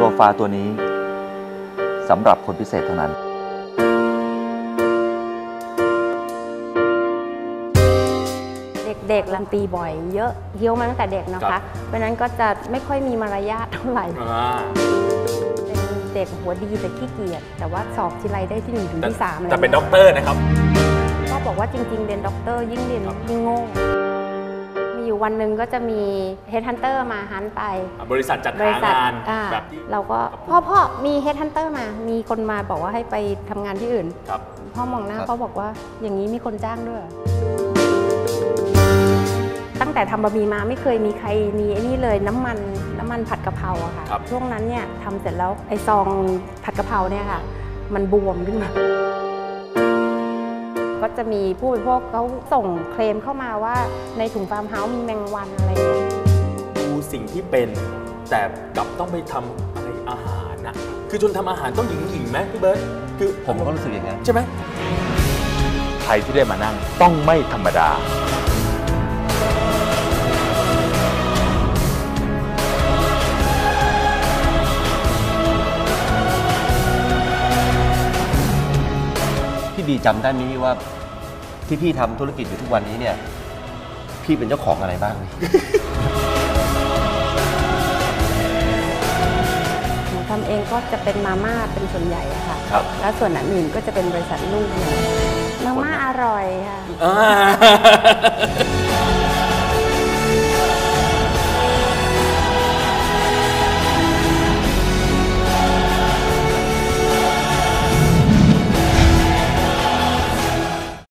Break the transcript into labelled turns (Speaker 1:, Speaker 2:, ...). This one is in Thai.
Speaker 1: ฟาตัวนี้สำหรับคนพิเศษเท่านั้น
Speaker 2: เด็กๆตีบ่อยเยอะเคี้ยวมาตั้งแต่เด็กนะคะเพราะนั้นก็จะไม่ค่อยมีมารยาทเท่าไหร่เป็นเด็กหัวดีแต่ขี้เกียจแต่ว่าสอบทีไรได้ที่1 ถึงที่ 3
Speaker 3: แต่เป็นด็อกเตอร์นะครับ
Speaker 2: ก็บอกว่าจริงๆเรียนด็อกเตอร์ยิ่งเรียนยิ่งโง่มีอยู่วันหนึ่งก็จะมีเฮดฮันเตอร์มาฮันไป
Speaker 3: บริษัทจัดหางานแบบ
Speaker 2: เราก็พ่อมีเฮดฮันเตอร์มามีคนมาบอกว่าให้ไปทำงานที่อื่นพ่อมองหน้าเขาบอกว่าอย่างนี้มีคนจ้างด้วยตั้งแต่ทำบะหมี่มาไม่เคยมีใครมีไอ้นี่เลยน้ำมันผัดกะเพราอะค่ะช่วงนั้นเนี่ยทำเสร็จแล้วไอ้ซองผัดกะเพราเนี่ยค่ะมันบวมขึ้นมาก็จะมีผู้บริโภคเขาส่งเคลมเข้ามาว่าในถุงฟาร์มเฮาส์มีแมงวันอะไร
Speaker 3: ดูสิ่งที่เป็นแต่กลับต้องไปทำอะไรอาหารนะคือจนทำอาหารต้องหญิงไหมพี่เบิร์ตคือ
Speaker 1: ผมก็รู้สึกอย่างนั้น
Speaker 3: ใช่ไหม
Speaker 1: ใครที่ได้มานั่งต้องไม่ธรรมดา
Speaker 4: พี่บีจำได้ไหมว่าที่พี่ทำธุรกิจอยู่ทุกวันนี้เนี่ยพี่เป็นเจ้าของอะไรบ้าง
Speaker 2: หนูทำเองก็จะเป็นมาม่าเป็นส่วนใหญ่อะค่ะแล้วส่วนอื่นก็จะเป็นบริษัทลูกมาม่าอร่อยค่ะ